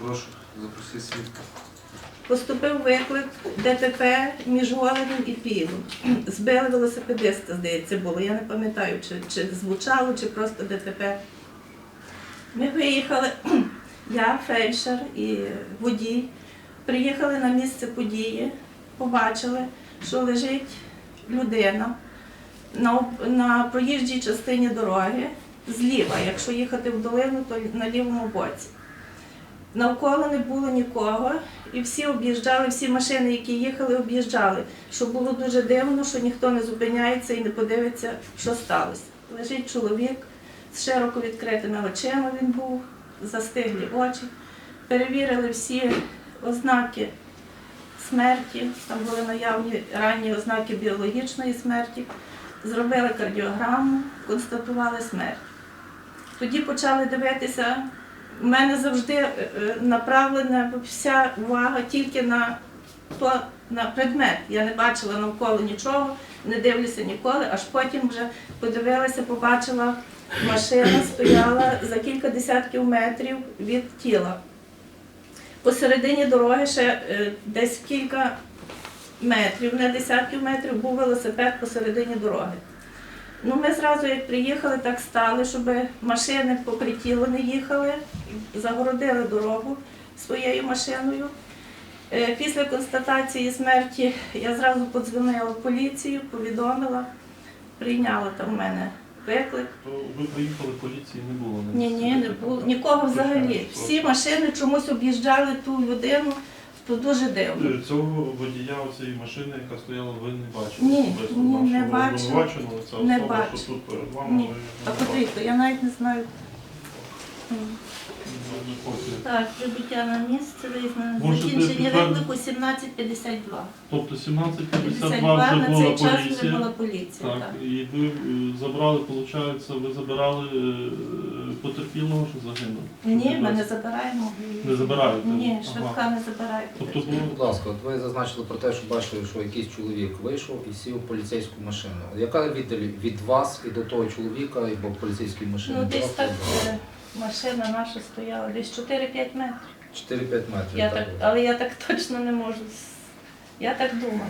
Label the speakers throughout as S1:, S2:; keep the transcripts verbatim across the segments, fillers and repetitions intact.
S1: Прошу, запросіть свідка.
S2: Поступив виклик ДТП між Голенем і Пілом. Збили велосипедиста, здається, було. Я не пам'ятаю, чи, чи звучало, чи просто ДТП. Ми виїхали, я, фельдшер і водій, приїхали на місце події, побачили, що лежить людина на, на проїжджій частині дороги зліва, якщо їхати в долину, то на лівому боці. Навколо не було нікого, і всі об'їжджали, всі машини, які їхали, об'їжджали. Що було дуже дивно, що ніхто не зупиняється і не подивиться, що сталося. Лежить чоловік з широко відкритими очима, він був, застиглі очі. Перевірили всі ознаки смерті, там були наявні ранні ознаки біологічної смерті. Зробили кардіограму, констатували смерть. Тоді почали дивитися. У мене завжди направлена вся увага тільки на, то, на предмет. Я не бачила навколо нічого, не дивлюся ніколи, аж потім вже подивилася, побачила, машина стояла за кілька десятків метрів від тіла. Посередині дороги ще десь кілька метрів, не десятків метрів, був велосипед посередині дороги. Ну, ми зразу, як приїхали, так стали, щоб машини попри тіло не їхали, загородили дорогу своєю машиною. Після констатації смерті я зразу подзвонила в поліцію, повідомила, прийняла там в мене виклик.
S3: То ви приїхали, поліції не було?
S2: Ні, ні, не було, нікого взагалі. Всі машини чомусь об'їжджали ту людину. То дуже дивно.
S3: Цього водія цієї машини, яка стояла, ви не бачили?
S2: Ні, ні, не бачила.
S3: Це
S2: Не
S3: особа,
S2: бачу.
S3: що тут перед вами,
S2: Ні.
S3: ви
S2: А потрібно, я навіть не знаю.
S3: не хочете.
S2: Так, прибуття на місце, визнано.
S3: Можете
S2: Закінчення
S3: підтвердити?
S2: виклику сімнадцять п'ятдесят два.
S3: Тобто сімнадцять п'ятдесят
S2: п'ятдесят
S3: два
S2: два
S3: вже
S2: на
S3: була
S2: цей час вже
S3: поліція.
S2: була поліція.
S3: Так,
S2: Так.
S3: і ви е, забрали, виходить, ви забирали е, потерпілого, що загинув?
S2: Ні, ми не забираємо.
S3: Не забираєте?
S2: Ні,
S3: Ага.
S2: швидка не забирає.
S3: Тобто
S1: Скажіть,
S3: було...
S1: будь ласка, от ви зазначили про те, що бачили, що якийсь чоловік вийшов і сів у поліцейську машину. Яка віддалі від вас і до того чоловіка, або поліцейської машини?
S2: Ну, десь
S1: була
S2: так
S1: була?
S2: е, машина наша стояла, десь чотири-п'ять метрів.
S1: чотири-п'ять метрів.
S2: Я
S1: так
S2: так,
S1: було.
S2: але я так точно не можу. с- Я так думаю.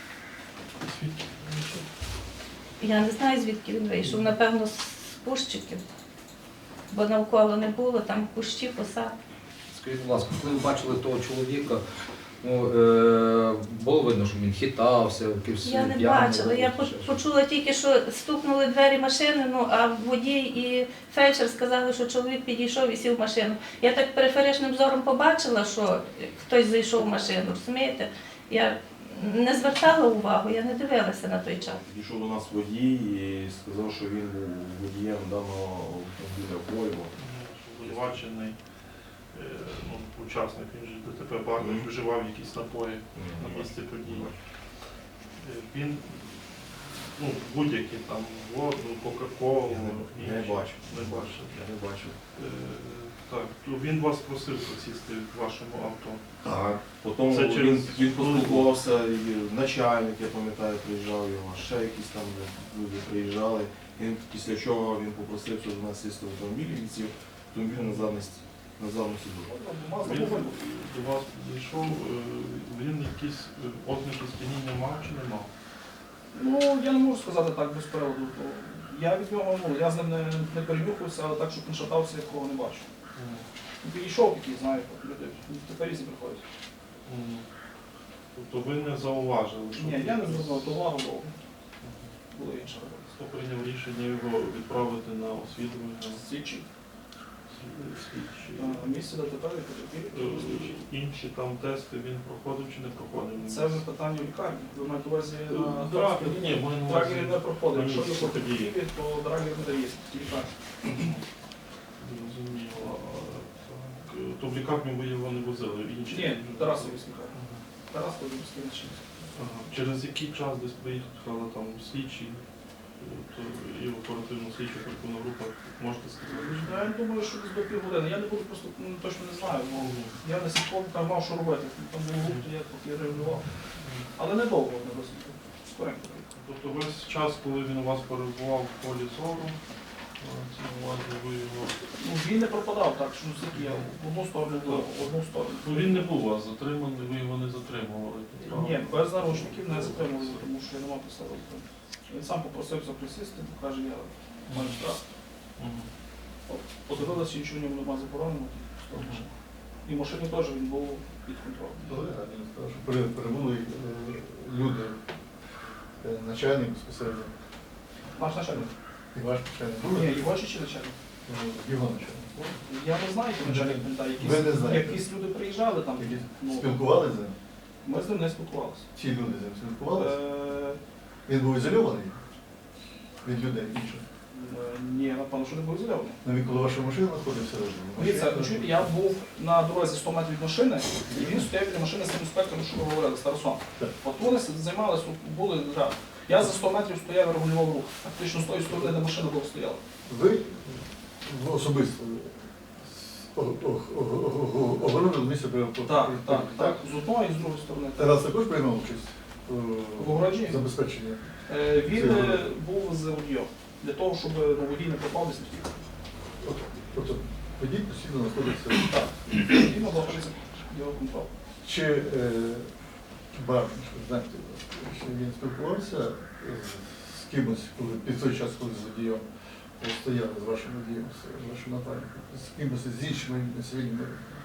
S2: Я не знаю, звідки він вийшов. Напевно, з пущиків. Бо навколо не було, там кущі, посад.
S1: Скажіть, будь ласка, коли ви бачили того чоловіка, ну, е, було видно, що він хитався, якийсь
S2: Я не
S1: п'яний
S2: бачила. Я
S1: був,
S2: по-
S1: чи що?
S2: почула тільки, що стукнули двері машини, ну а водій і фельдшер сказали, що чоловік підійшов і сів в машину. Я так периферичним зором побачила, що хтось зайшов в машину, розумієте? Я не звертала увагу, я не дивилася на той час.
S4: Підійшов до нас водій і сказав, що він був водієм даного автомобіля Volvo.
S3: Обвинувачений е, ну, учасник, він же ДТП багато вживав якісь напої на місці події. Е, Він, ну, будь-які там воду, кока-колу,
S4: Не
S3: інші.
S4: бачив.
S3: Не бачив.
S4: Я не бачив.
S3: Е, Так, то він вас просив посісти в вашому авто.
S4: Так. Потім
S3: Це
S4: він,
S3: через-
S4: він поспілкувався, і начальник, я пам'ятаю, приїжджав його, ще якісь там люди приїжджали. Він, після чого він попросив, щоб до нас сісти в автомобіль, він сів в автомобіль на задній на задню сидушку.
S3: Він до вас зайшов, е, він якісь е, ознаки сп'яніння мав чи не мав?
S5: Ну, я не можу сказати так без приводу. То я від нього, ну, я з ним не, не перенюхався, але так, щоб він шатався, я такого не бачу. Він підійшов такий, знаєте, люди, тепер різні приходять.
S3: М. Тобто ви не зауважили, що...
S5: Ні, я не звернув увагу, бо було інше робити.
S3: Хто прийняв рішення його відправити на освідування?
S5: Слідчі.
S3: Слідчі.
S5: Місце ДТП і потерпілі.
S3: Е, Інші там тести він проходив чи не проходив?
S5: Це вже питання в лікарні. Ви маєте увазі на
S3: Драгер, ні, ми на увазі-
S5: драгері не проходить.
S3: на
S5: Якщо
S3: місці
S5: є потерпілі,
S3: події.
S5: то драгер не дає в лікарні.
S3: Зрозуміло. Так. То в лікарню ви його не возили? Інші?
S5: Ні, Тарасові лікарні.
S3: Ага.
S5: Тарас Володимирський начальник.
S3: Ага. Через який час десь приїхала там слідчі е, то і оперативно слідча оперативна група, можете сказати?
S5: Я думаю, що десь до півгодини. Я не буду просто ну, точно не знаю. Бо я не слідком там мав, що робити. Там було гурт, я поки реагував. Але недовго не досить. Скоренько.
S3: Тобто весь час, коли він у вас перебував в полі зору, Мається на увазі, ви його...
S5: Ну, він не пропадав так, що ну, скільки я в одну сторону, в одну сторону.
S3: Ну він не був у вас затриманий, ви його не затримували. правда?
S5: Ні, без наручників не затримували, тому що я не мав підстави. Він сам попросився присісти, бо каже, я маю страх.
S3: Мгм.
S5: Подивилися, нічого в ньому немає заборонено. І в машині теж він був під контролем.
S6: Колега, він сказав, що пере- перебули е, люди, е, начальник безпосередньо,
S5: Наш начальник.
S6: і ваш начальник.
S5: Ні,
S6: Були?
S5: його чи чи начальник?
S6: Ну, його начальник.
S5: Я не знаю, хто начальник пам'ятаю.
S6: Ви не
S5: Якісь,
S6: знаєте?
S5: якісь люди приїжджали там.
S6: Які
S5: Ну,
S6: спілкувалися з ним?
S5: ми з ним не спілкувалися.
S6: Ці люди з ним спілкувалися?
S5: Е,
S6: Він був ізольований від людей інших.
S5: е, Ні, напевно, що не був ізольований.
S6: Ну, він коли ваша машина знаходився
S5: Дивіться,
S6: разом.
S5: чуєте, я був на дорозі сто метрів від машини, і він стояв біля машини з тим інспектором, що ви говорили, з Тарасом.
S6: Так.
S5: От вони займалися, були гра. Я за сто метрів стояв і регулював рух. Фактично з тої сторони, де машина була стояла.
S6: Ви ну, особисто о- о- о- о- огородили місце перепусту.
S5: Так, так, так. З одної і з другої сторони.
S6: Тарас також приймав участь
S5: В огороджі?
S6: у забезпеченні?
S5: Е, Він е, був з водієм, для того, щоб ну, водій не пропав десь не втік.
S6: Тобто водій постійно знаходиться.
S5: Так, він знаходиться під його контролем.
S6: Чи е, Барниш, ви знаєте, що він спілкувався з, з кимось, коли під той час, коли з водієм ви стояли з вашим водієм, з вашим напарником, з кимось з іншими цивільними?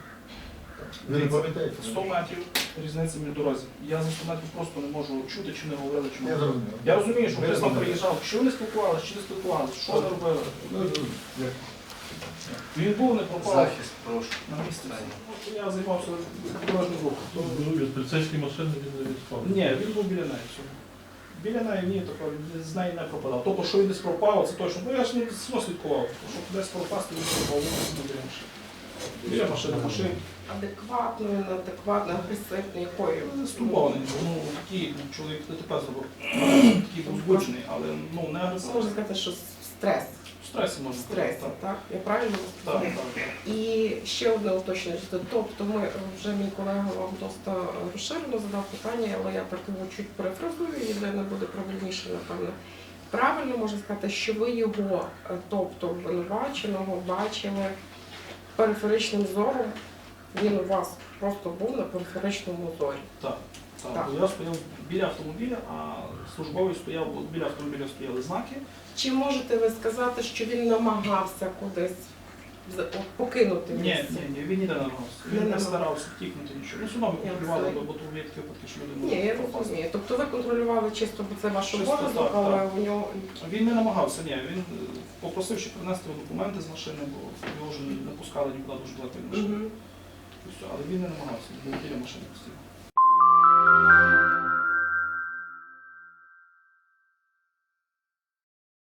S6: Ви не пам'ятаєте?
S5: сто метрів різниця між дорозі. Я за сто метрів просто не можу чути, чи не говорили, чи не
S6: Я
S5: говорили.
S6: зрозумів.
S5: Я розумію, що
S6: Ви
S5: хтось там
S6: розумієте.
S5: приїжджав, що вони спілкувалися, чи не спілкувалися, що вони робили.
S6: Ну, як?
S5: Він був, не пропав
S1: Захист, прошу.
S5: на місці. Я займався дорожнім рухом.
S3: Ну, від поліцейської машини він не відспав.
S5: Ні, він був біля неї. все. Біля неї ні, такого, з неї не пропадав. Тобто, що він десь пропав, це точно. Ну я ж не все слідкував. Щоб десь пропасти, він пропав, він біля машини. Біля машини, машин.
S7: Адекватною, неадекватною, агресивною, якою?
S5: Стурбований. Ну, такий чоловік ДТП зробив. Такий був збуджений, але ну, не
S7: Можна
S5: агресивний.
S7: сказати, що стрес.
S5: В стресі можна
S7: В стресі,
S5: сказати.
S7: так? Я правильно
S5: Так,
S7: розумію?
S5: так, так.
S7: І ще одне уточнення. Тобто ми вже мій колега вам досить розширено задав питання, але я так його чуть перефразую, і де не буде правильніше, напевно. Правильно можна сказати, що ви його, е, тобто обвинуваченого, бачили периферичним зором, він у вас просто був на периферичному зорі.
S5: Так, так.
S7: Так.
S5: Бо я стояв біля автомобіля, а службовий стояв, от біля автомобіля стояли знаки.
S7: Чи можете ви сказати, що він намагався кудись з- от, покинути
S5: Ні,
S7: місце?
S5: ні, ні, він ніде не намагався.
S7: Не
S5: Він не
S7: намагався.
S5: старався втікнути нічого. Ну, судом
S7: Я
S5: контролювали,
S7: розумію.
S5: бо тут є такі випадки, що люди можуть
S7: Ні, я
S5: пропасти.
S7: розумію. Тобто ви контролювали чисто, бо це ваш
S5: Чисто,
S7: обов'язок,
S5: так,
S7: але
S5: так.
S7: у нього
S5: Він не намагався, ні. Він е, попросив, щоб принести його документи з машини, бо його вже не пускали нікуди дуже далеко від машини.
S7: Мгм.
S5: І все. Але він не намагався, він був біля машини постійно.